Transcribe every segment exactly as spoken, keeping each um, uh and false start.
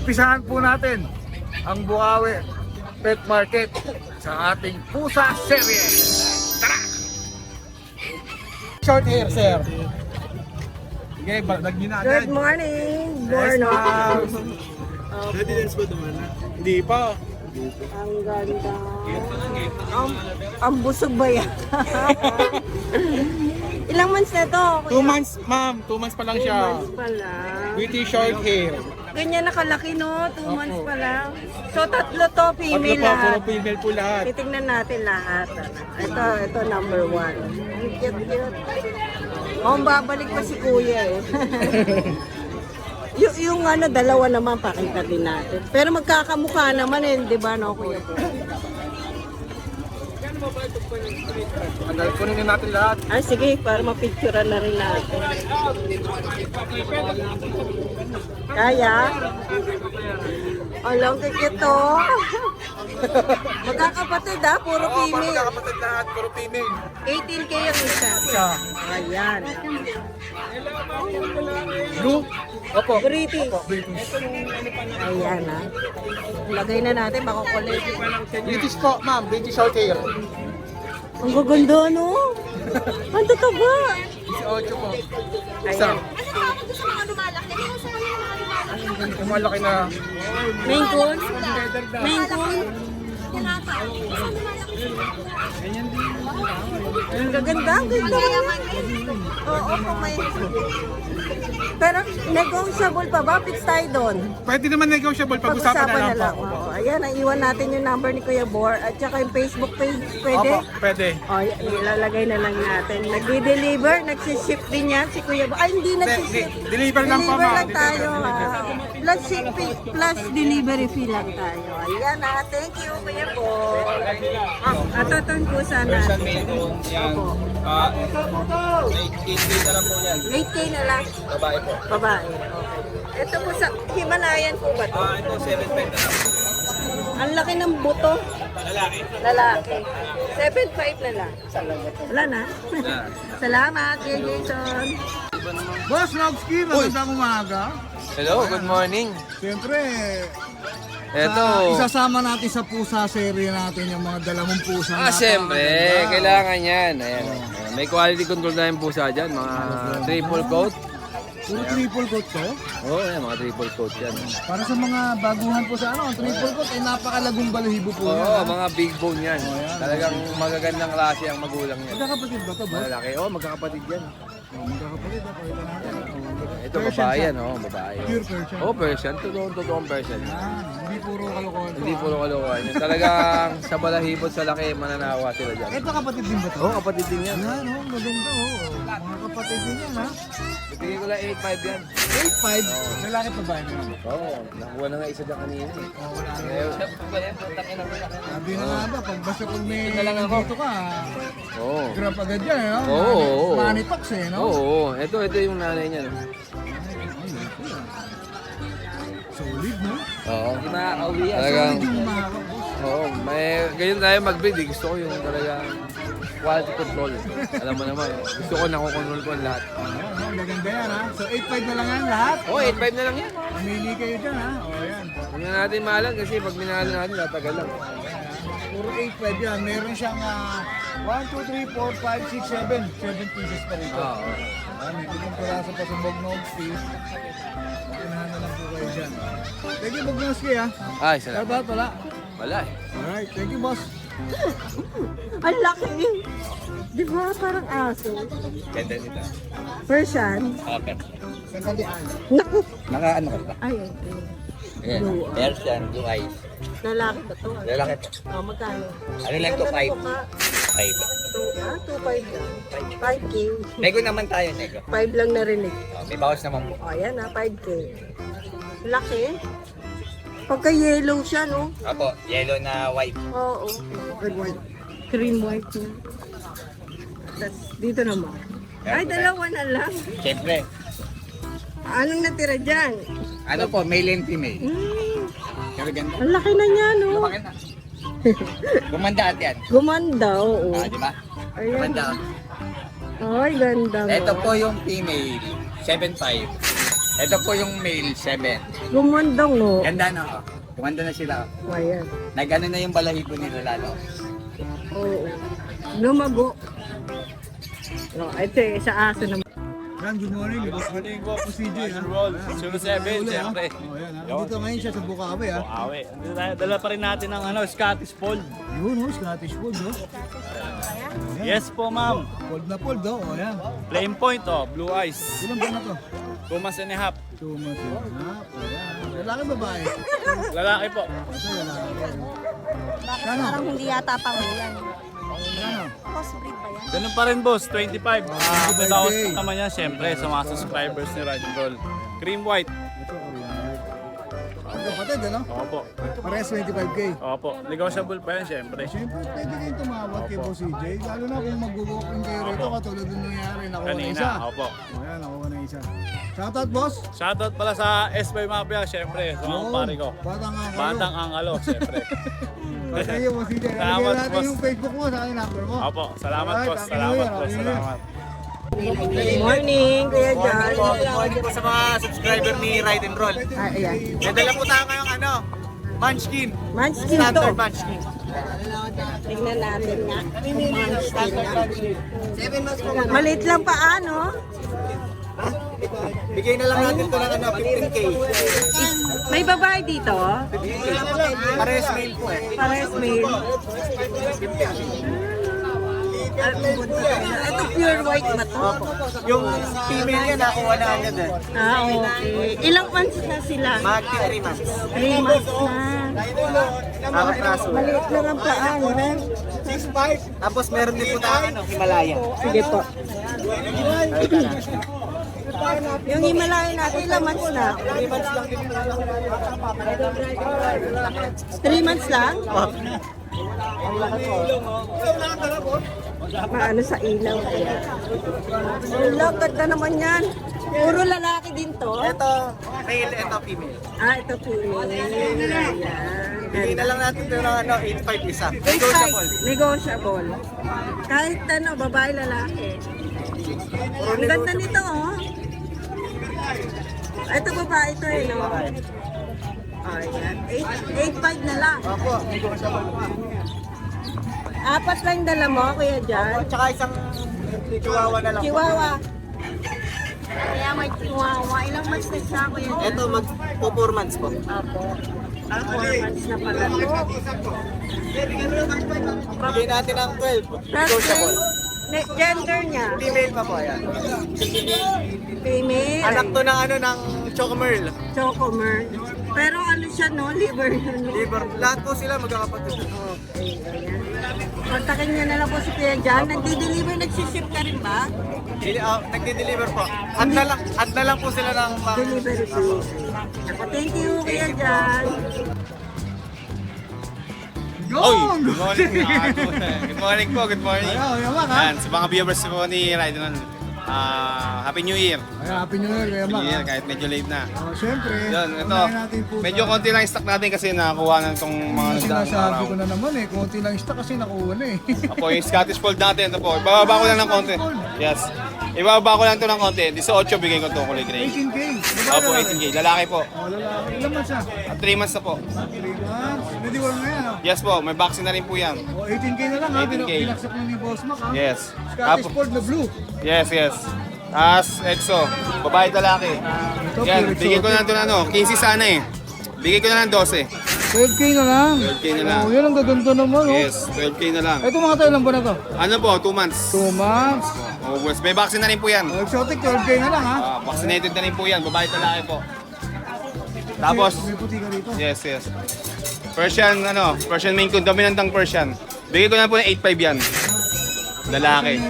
umpisahan po natin ang Bukawi Pet Market sa ating pusa serye. Tara! Short hair, sir. Okay, balag nyo na agad. Good morning! Yes, Borno! ma'am. Ready dance ba naman? Hindi pa. Ang ganda. Ang, ang busog ba yan? Ilang months na to? kuya? Two months, ma'am. Two months pa lang Two siya. months pa lang. Pretty short hair. Ganyan nakalaki no? Two Opo. months pa lang. So tatlo to, Tatlo female pa, puro lahat. female po lahat. Titignan natin lahat. Ito, ito number one. Ang cute, cute. Oh, babalik pa si kuya eh. yung, yung ano, dalawa naman pakita din natin. Pero magkakamukha naman eh, di ba no kuya po? Andal, kunin na natin lahat. Ah, sige, para mapicturean na rin natin. Kaya? Alam ka ito. Magkakapatid ha, puro Oo, parang female. kakapatid lahat, puro female. eighteen K yung isa. Isa. Ayan. Blue? Opo. British. Opo, British. Ayan ha. Lagay na natin, makukulit. British po, ma'am. British short hair. Ang gaganda no? Ang tataba. eighteen po. Isa. Ayan. Yung malaki na. Main coon? Main coon? Ang gaganda, ang ganda. Oo, kung may... Pero negotiable pa ba? Fix tayo doon. Pwede naman negotiable. Pag-usapan na lang po. Oo, ayan, iwan natin yung number ni Kuya Bor at saka yung Facebook page. Pwede? Opo, pwede. O, y- ilalagay na lang natin. Nagdi-deliver, nagsiship din yan si Kuya Bor. Ay, hindi nagsiship. di- deliver lang po, Deliver ma'am. lang tayo, ha. Plus shipping, plus delivery fee lang tayo. Ayan, ha. Thank you, Kuya Bor. At ito yung pusa natin. Opo. Ah, eight K na lang po yan. eight K na lang. Babae po. Babae. Okay. Ito po sa Himalayan po ba ito? Ah, ito seven five na lang. Ang laki ng buto. Lalaki. Lalaki. seven five na lang. Wala na. Na. Salamat, Kuya Jason. Boss Nogski, magandang umaga. Hello, good morning. Siyempre, Eto. sa, isasama natin sa pusa serye natin yung mga dalamong pusa. Ah, siyempre, kailangan yan. Ayan. Ayan. May quality control na yung pusa dyan. Mga triple coat. Puro triple coat to. Oo, oh, yan, mga triple coat yan. Para sa mga baguhan po sa ano, ang triple coat ay napakalagong balahibo po Oo, yan. oh, ha? mga big bone yan. Oh, yan. Talagang magagandang klase ang magulang yan. Magkakapatid ba to, boss? Malaki. Oo, oh, magkakapatid yan. Oh, magkakapatid, ha? Pakita natin. Oh, Ito, Persian babae siya. yan. Oo, oh, babae. Pure Persian. Oo, oh, Persian. Totoong, totoong Persian. Ah, hindi puro kalokohan to. Hindi ha? puro kalokohan yan. Talagang sa balahibot sa laki, mananawa sila dyan. Ito kapatid din ba to? Oo, oh, kapatid din yan. Yan, oh, maganda, oh. Mga kapatid din yan, ha? Bigay ko lang eight five yan. eight five, lalaki pa ba yun? Oo, oh, nakuha na nga isa dyan kanina eh. Oh, wala na. Eh, sabi Sabi na nga ba, pag basta pag may Ito na lang ako. dito ka, Oo. grab agad yan, eh, no? Oo, oo, oo. Money talks, eh, no? Oo, oo. Ito, ito yung nanay niya. No? Solid, no? Oo. Talagang, Solid yung umakap, boss. oo. May, ganyan tayo mag-breed. eh. Gusto ko yung talagang quality control. Alam mo naman, eh. gusto ko nakokontrol ko ang lahat. Oh, no, maganda yan, ha? So, eight five na lang yan lahat. Oo, oh, eight five na lang yan. Mamili kayo dyan, ha? O, yan. Huwag na natin mahalan kasi pag minahal natin, tatagal lang. Puro eight five yan. Meron siyang ah, one, two, three, four, five, six, seven. seven pieces pa rito. Oo. Ah, may pitong piraso pa sa Bognog Fees. Unahan na lang po kayo dyan. Thank you, Bognoski, ha? Ay, Shout salamat. out, wala. Wala eh. Alright, thank you, boss. Ang laki. Di ba? Parang aso. Ganda nito. Persian. Okay. Sandalian. Naku. Naka ano ka ba? Ay, ito. Ayan. Persian, blue eyes. Lalaki ba to? Lalaki po. Oh, magkano? Ano lang to, Ganda ng five? mukha. Five. Two, ah, two five lang. five K. Nego naman tayo, nego. five lang narinig. Oh, may bawas naman po. O, oh, ayan ah, five K. Laki. Pagka yellow siya, no? Apo, yellow na white. Oo. Red white. Cream white na. Tapos dito naman. Ay, dalawa na lang. Siyempre. Anong natira dyan? Ano po, male and female. Hmm, Kaya ganda. ang laki na niya, no? Bakit na? Gumanda at yan. Gumanda, oo. Ah, di ba? Ayan. Gumanda. Ay, ganda mo. Ito po yung female, seven five. Ito po yung male, seven. Gumundong, no? Ganda na, oh. Gumanda na sila. O, ayan. Nagano na yung balahibo nila lalo. Oo. Lumago. No, ito eh, sa aso naman. Ram, good morning. Good morning po po C J. Zero seven, siyempre. Oh, yan, ha? Dito ngayon siya sa Bukawi, ha? Awe. Dala pa rin natin ng ano, Scottish Fold. Yun, oh, Scottish Fold, oh. Yes po, ma'am. Fold na fold, oh. Oh, yan. Flame point, oh. Blue eyes. Ilan ba na to? Two months and a half. Two months and a half. Oh, yan. Lalaki babae. Lalaki po. Ito, lalaki. Bakit parang hindi yata pang yan? Ano? Crossbreed ba yan? Ganun pa rin, boss. twenty-five. Ah, twenty-five Tapos K. naman yan, siyempre, sa mga subscribers ni Ride and Roll. Cream white. Ito, Korean. Ang kapatid, ano? Opo. Parehas twenty-five K. Opo. Negotiable pa yan, siyempre. Siyempre, pwede kayong tumawag kay Boss C J. Lalo na kung mag-walking kayo rito, katulad ng nangyari. Nakuha na Kanina, isa. opo. Oh, yan, nakuha na isa. Shoutout, boss. Shoutout pala sa S five Mafia, siyempre. Sa mga Yun. pare ko. Batang ang Batang Angalo, siyempre. Patay yung Boss C J. Salamat, Lagyan natin boss. yung Facebook mo sa akin number mo. Opo. Salamat, Alright, boss. happy New Salamat, Year, boss. happy New Year. Salamat. Good morning, Kuya John. Good morning po sa mga subscriber ni Ride and Roll. Ah, ayan. May dala po tayo ngayong ano, Munchkin. Munchkin to. Standard Munchkin. Tingnan natin nga. Munchkin na. Maliit lang pa, ano? Bigay na lang natin ito ng ano, fifteen K. May babae dito? Pares male po eh. Pares male. Ah, ito pure white ba to? Yung female niya nakuha na agad eh. Ah, okay. Ilang months na sila? Magti three months. Three months na. Kakapraso. Maliit lang ang paa, no? Tapos meron din po tayo ano, Himalaya. Sige po. Yung Himalaya natin, ilang months na? Three months lang? Maano sa ilaw kaya? Ilaw, ganda naman yan. Puro lalaki din to. Ito, male, ito female. Ah, ito female. Ayan. Bigay na lang natin ito ng ano, eight five isa. Negotiable. Negotiable. Negotiable. Kahit ano, babae, lalaki. Ang ganda nito, oh. Ito babae ito eh, no? Ayan. eight five na lang. Opo, negotiable pa. Apat lang dala mo, Kuya Jan. Tsaka isang chihuahua na lang po. Chihuahua. Kaya may chihuahua. Ilang months na siya, Kuya Jan? Ito, mag po four months po. Apo. Ah, four months na pala to. Bigay natin ng twelve. Tapos, Negotiable. ne- gender niya, Female pa po, ayan. female. Anak to ng ano, ng Chocomerl. Chocomer. Pero ano siya, no? Liver yun, no? Liver. Lahat po sila magkakapatid. Okay, ayan. Kontakin niya na lang po si Kuya Jan. Nagdi-deliver, nagsiship ka rin ba? Dili, uh, nagde-deliver po. Add na lang, add na lang po sila ng mga... Delivery fee. Thank you, Kuya Jan. Oy! Good morning. Ah, good morning po, good morning. Ayaw, yamak, ha? Yan, sa mga viewers po ni Ride and Roll, ah, Happy New Year. Ay, happy New Year, Kuya Happy Mac, New Year, ha? kahit medyo late na. Oh, syempre, Yun, ito. unahin natin po Medyo sa- konti lang yung stock natin kasi nakakuha na itong mga Kasi nagdaang nasabi araw. ko na naman eh, konti lang stock kasi nakuha na eh. Apo, yung Scottish Fold natin, ito po. Ibababa ko lang ng konti. Yes. Ibababa ko lang ito ng konti. eighteen bigay ko ito kulay gray. eighteen K. Opo, eighteen K. Lalaki po. Oh, lalaki. Ilan months na? three months na po. three months. Ready work na yan, ha? Yes po, may vaccine na rin po yan. Oh, eighteen K na lang, ha? eighteen K. Binaksak mo ni Boss Mac, ha? Yes. Scottish Apo. Fold na blue. Yes, yes. As Exo, babae lalaki. Ito, Yan, pure bigay ko na exotic. ito na ano, fifteen sana eh. Bigay ko na ng twelve. twelve K na lang. twelve K na lang. Oh, yun ang gaganda naman, oh. Yes, twelve K na lang. Ito mga tayo lang ba na to? Ano po, two months. two months. Oh, boss, may vaccine na rin po yan. Oh, exotic, twelve K na lang, ha? Ah, vaccinated na rin po yan, babae lalaki po. Tapos, May puti ka rito. yes, yes. Persian, ano, Persian Maine Coon, dominantang Persian. Bigay ko na po ng eight five yan. Lalaki.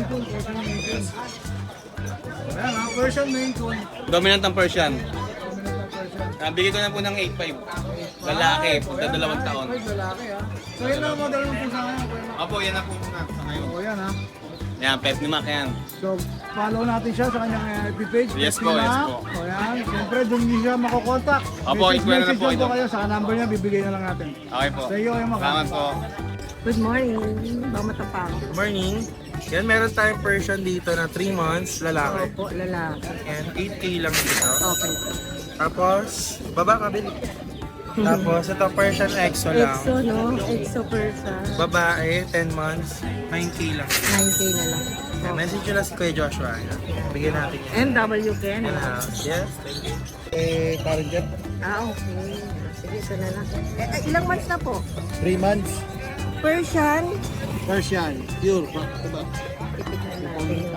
Ayan, ha? Persian Maine Coon. Dominantang Persian. Ah, bigay ko na po ng eight five. Lalaki, punta dalawang taon. Ay, lalaki, ha? So, yun lang ang model ng pusa ngayon, Kuya Mac. Opo, yan na po muna sa ngayon. Oh, yan, ha? Yan, pet ni Mac yan. So, follow natin siya sa kanyang F B page. Yes Pet po, ni yes Mac. po. O yan, siyempre doon niyo siya makokontak. Opo, Message, i-square na message po lang ito. kayo sa number niya, bibigay na lang natin. Okay po. Sa iyo, Kuya Mac. Salamat po. Good morning. Ba matapang? Morning. Yan, meron tayong Persian dito na three months, lalaki. Opo, lalaki. And eight K lang dito. Okay. Tapos, baba kabili. Tapos, ito Persian Exo lang. Exo, no? Exo Persa. Babae, ten months, nine K lang. nine K na lang. Yan, message nyo lang si Kuya Joshua. Yan. Bigyan natin yan. M W Ken. Yan ha. Yes, thank you. Eh, parang dyan. Ah, okay. Sige, ito na lang. Eh, eh, ilang months na po? three months. Persian. Persian. Pure. Diba? Itignan natin.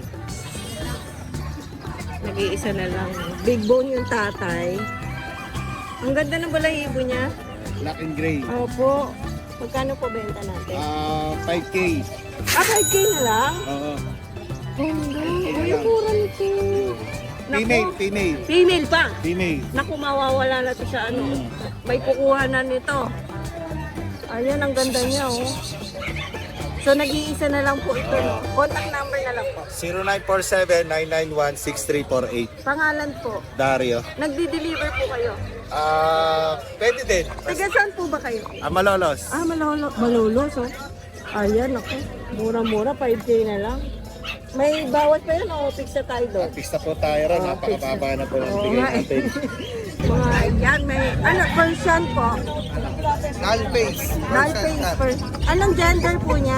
Nag-iisa na lang. Big bone yung tatay. Ang ganda ng balahibo niya. Black and gray. Opo. Magkano po benta natin? Ah, five K. Ah, five K na lang? Oo. Ganda. Uy, mura nito. Female, female. Female pa. Female. Naku, mawawala na to sa ano. May kukuha na nito. Ayan, ang ganda niya, oh. So, nag-iisa na lang po ito, no? Contact number na lang po. zero nine four seven, nine nine one, six three four eight. Pangalan po. Dario. Nagdi-deliver po kayo. Ah, pwede din. Taga saan po ba kayo? Ah, Malolos. Ah, malolo, malolos, oh. Ayan, ako. Mura-mura, five K na lang. May bawat pa yun, o fix na tayo doon? Pista po tayo ron. Ah, Napakababa na po ng Oo bigay nga, eh. natin. Mga yan, may, ano, Persian po. Null-face. Null face first. Anong gender po niya?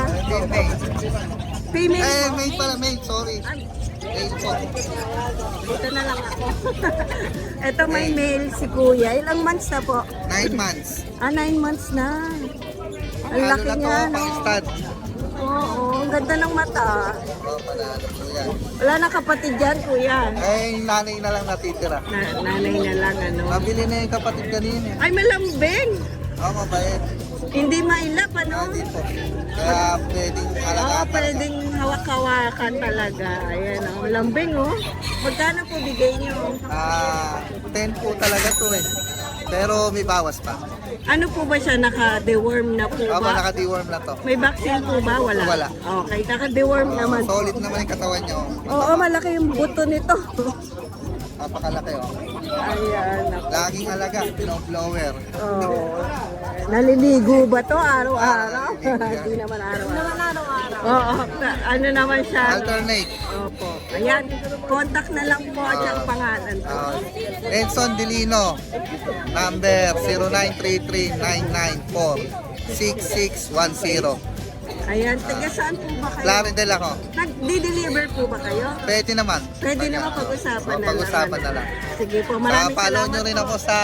Female Eh, po? mate pala, mate. Sorry. Ay, Mate po. dito na lang ako. Ito may male si kuya. Ilang months na po? Nine months. Ah, nine months na. Ang Ano laki na to, niya, no? pang stud. Oo, ang ganda ng mata. Oh, panalo po yan. Wala na kapatid dyan, kuya. Eh, yung nanay na lang natitira. Na, nanay na lang, ano. Mabili na yung kapatid kanina. Ay, malambing. Oo, oh, mabait. Hindi mailap, ano? Hindi po. Kaya pwedeng Oo, alagaan. pwedeng hawak-hawakan talaga. Ayan, oh. Lambing, oh. Magkano po bigay niyo? Ah, ten po talaga to eh. Pero may bawas pa. Ano po ba siya? Naka-deworm na po Ako ba? naka-deworm na to. May vaccine po ba? Wala. Wala. Okay, naka-deworm naman. Solid naman yung katawan nyo. Oo, malaki yung buto nito. Napakalaki oh. Ayan. ako. Laging alaga, blower. Oh. Naliligo ba to araw-araw? Hindi naman araw-araw. Oo, ka- ano naman siya? Alternate. Opo. Ayan, contact na lang po at yung pangalan. Uh, Edson Delino. Number zero nine three three, nine nine four, six six one zero. Ayan, taga saan po ba kayo? Claridel ako. Nag-deliver po ba kayo? Pwede naman. Pwede naman pag-usapan Oh, na pag-usapan lang. na lang. Sige po, Saka maraming follow salamat nyo rin po. ako sa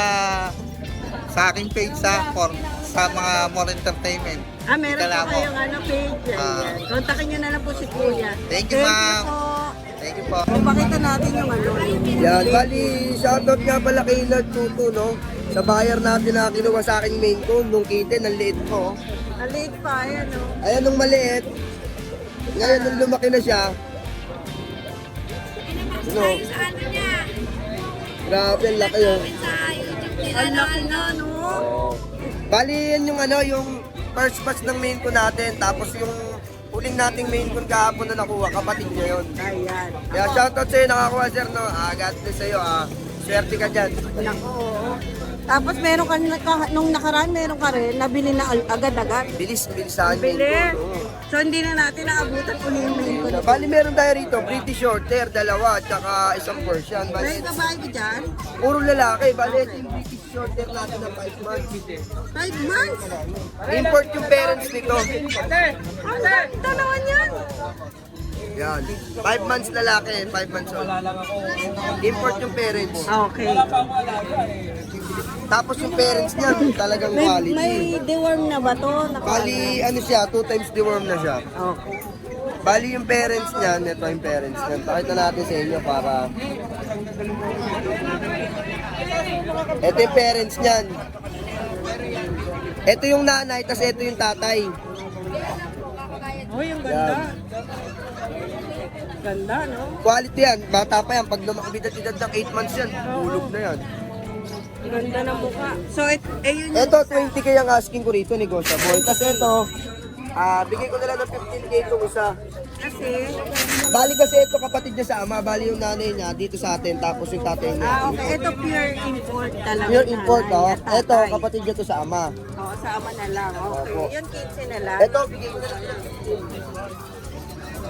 sa aking page sa for, sa mga more entertainment. Ah, meron po Kalamo. kayong ano, page. Ayan. Ah. Kontakin nyo na lang po si Kuya. Thank you, ma'am. po. Thank you po. Pakita natin yung ano. yung- Yan, bali, shoutout nga pala kay Lord Tuto, no? Sa buyer natin na kinuha sa aking main ko, nung kitten, ang liit ko. Maliit pa, ayan o. Ayan, nung maliit, ngayon nung lumaki na siya, ano? Grabe, ang laki oh. Ang laki na, no? Bali, yan yung ano, yung first batch ng main ko natin, tapos yung huling nating main ko kahapon na nakuha, kapatid niya yun. Ayan. Kaya shoutout sa'yo, nakakuha sir, no? Ah, God bless sa'yo, ah. Swerte ka dyan. Nako. Tapos meron ka, naka- nung nakaraan, meron ka rin, nabili na al- agad-agad. Bilis, bilisan main Bili. ko. Oo. So hindi na natin naabutan uli yung main ko. Bali, meron tayo rito, British Shorter, dalawa, at saka isang Persian. May Bali, babae ba dyan? puro lalaki. Bali, ito yung British Shorter natin na five months. Five months? Import yung parents nito. Ang ganda naman yan. Yan. five months lalaki, five months old. Import yung parents. Okay. Tapos yung parents niya, talagang May, quality. may deworm na ba to? Naka- Bali, ano siya, two times deworm na siya. Okay. Bali yung parents niya, ito yung parents niya. Pakita natin sa inyo para... Ito yung parents niyan. Ito yung nanay, tapos ito yung tatay. Oh, yung ganda. Ganda, no? Quality yan, bata pa yan. Pag lumakabidad-idad ng eight months yan, bulog na yan. Ganda ng mukha. So, it, eh yun yung... Ito, twenty K ang asking ko rito, negotiable. Tapos ito, ah bigay ko na lang ng fifteen K itong isa. Kasi, Bali kasi ito kapatid niya sa ama, bali yung nanay niya dito sa atin, tapos yung tatay niya. ah, okay. Ito pure import talaga. Pure import, nanay oh. at tatay. Ito, kapatid niya to sa ama. Oo, sa ama na lang. Okay. Opo. Yun, kitchen na lang. Ito, bigay ko na lang.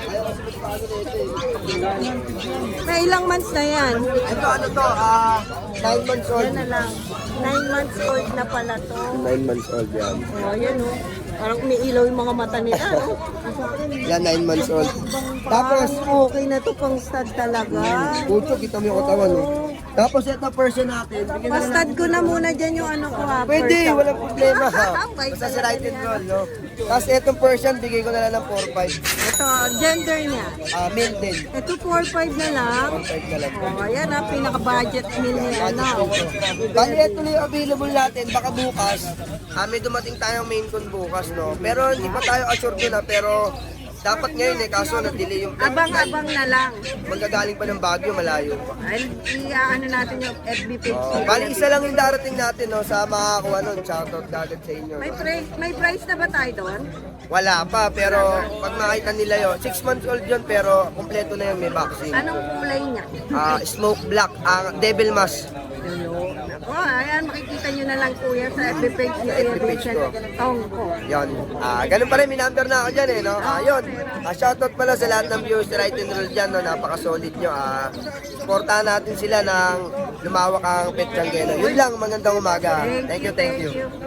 Ayaw kasi magpaano na ito eh. May ilang months na yan? Ito ano to, ah, nine months old. Yan na lang. Nine months old na pala to. nine months old yan. Oh, yan oh. Parang umiilaw yung mga mata nila. Oh. Yan, nine months old. Tapos, Parang okay na to pang stud talaga. pucho, kita mo yung katawan oh. Tapos ito person natin. Bigyan na lang Pastad ko na muna dyan yung ano ko ha. Pwede, Persian. walang problema ha. Okay, Basta si right and roll, no? Tapos itong Persian, bigay ko na lang ng four five. Ito, gender niya. Ah, male din. Ito four five na lang. four five na lang. Oh, ayan ha, pinaka-budget meal nila na. Bali, ito na yung available natin. Baka bukas, ah, may dumating tayong main con bukas, no? Pero hindi pa tayo assured doon, ha? Pero dapat ngayon eh, kaso na-delay yung Abang-abang na lang. Manggagaling pa ng Baguio, malayo pa. Ay, i-ano natin yung F B page. Oh, bali, isa lang yung darating natin, no? Sa makakuha nun. Shoutout agad sa inyo. May, No? pri- may price na ba tayo doon? Wala pa, pero pag makita nila yun, six months old yun, pero kompleto na yun, may vaccine. Anong kulay niya? Ah, smoke black, ang devil mask. Oh, ayan, makikita nyo na lang kuya sa F B page ni Sa Kuya F B page Vincent ko. Tong ko. Yan. Ah, ganun pa rin, may number na ako dyan eh, no? Ah, yun. Ah, shoutout pala sa lahat ng viewers ni Right and Roll dyan, no? Napaka-solid nyo. Ah, supportahan natin sila ng lumawak ang Pet Changgeno. Yun lang, magandang umaga. Thank you, thank you.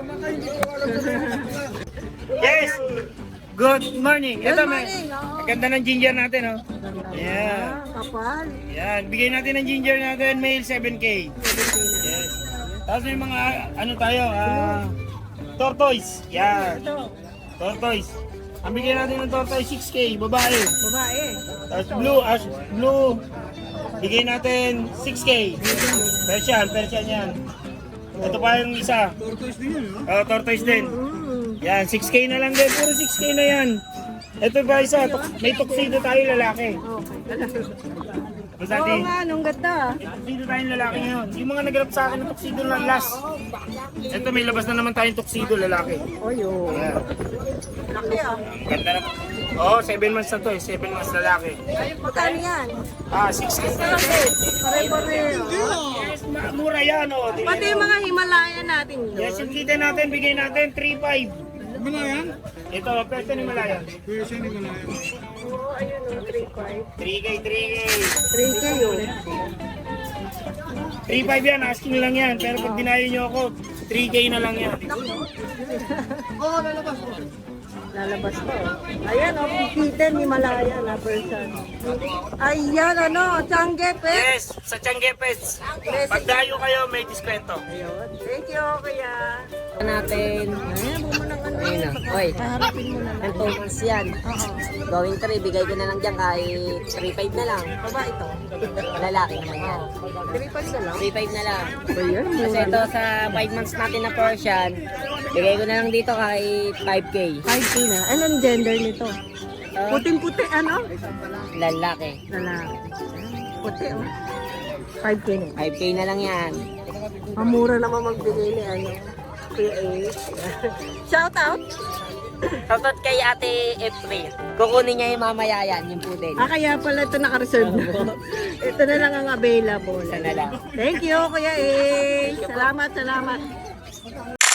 Yes! Good morning. Good Ito, morning. Oh. ganda ng ginger natin, oh. Yeah. Ah, kapal. Yan. Bigay natin ng ginger natin, male seven K. Yes. Tapos may mga, ano tayo, ah, tortoise. Yan. Tortoise. Ang bigay natin ng tortoise, six K, babae. Babae. Tapos blue, as blue, bigay natin six K. Persian, Persian yan. Ito pa yung isa. Tortoise din yun, no? Oh, tortoise din. Mm. Yan, six K na lang din. Puro six K na yan. Ito ba isa? Tuk- May tuxedo tayo lalaki. Okay. Basta Oo natin, nga, nung ganda. may tuxedo tayong lalaki ngayon. Yung mga nagrap sa akin ng tuxedo lang last. Ito may labas na naman tayong tuxedo lalaki. Oh, yun. Yan. Laki ah. Ganda na. Oo, oh, seven months na to eh. seven months lalaki. Magkano yan? Ah, six K. Pare-pare. Yes, ma- mura yan oh. Di- Pati yung mga Himalaya natin yun. Yes, yung kita natin, bigay natin three five. Malayan? Ito, pwede ni Malaya. Persian, hindi malayan. Oo, ayun o, three five. three K, three K. three K yun. three five yan, asking lang yan. Pero pag dinayo nyo ako, three K na lang yan. Lalabas ko. Ayan o, kikita ni Himalaya na person. Ayan ano, Changgepet. Yes, sa Changgepes. Pag dayo kayo, may diskwento. Ayun. Thank you, kuya. natin. Ayan, mo ng ano Ayun yun. na. Oy, Paharapin mo na lang. ang two months yan. Oo. Going three, bigay ko na lang dyan kahit three five na lang. Baba ito. Lalaki naman yan. three five na lang. three five na lang. Ayan, Kasi ito sa five months natin na Persian, bigay ko na lang dito kahit five K. five K na. Anong gender nito? Uh, Puting-puti, ano? lalaki. Lalaki. Puti, oh. five K na. five K na lang yan. Mamura naman magbigay ni ano. Kuya A. Shout out. Shoutout kay Ate April. Kukunin niya yung mamaya yan, yung pudel. Ah, kaya pala ito naka-reserve na. Ito na lang ang available. Isa na lang. Thank you, Kuya A. Salamat, salamat.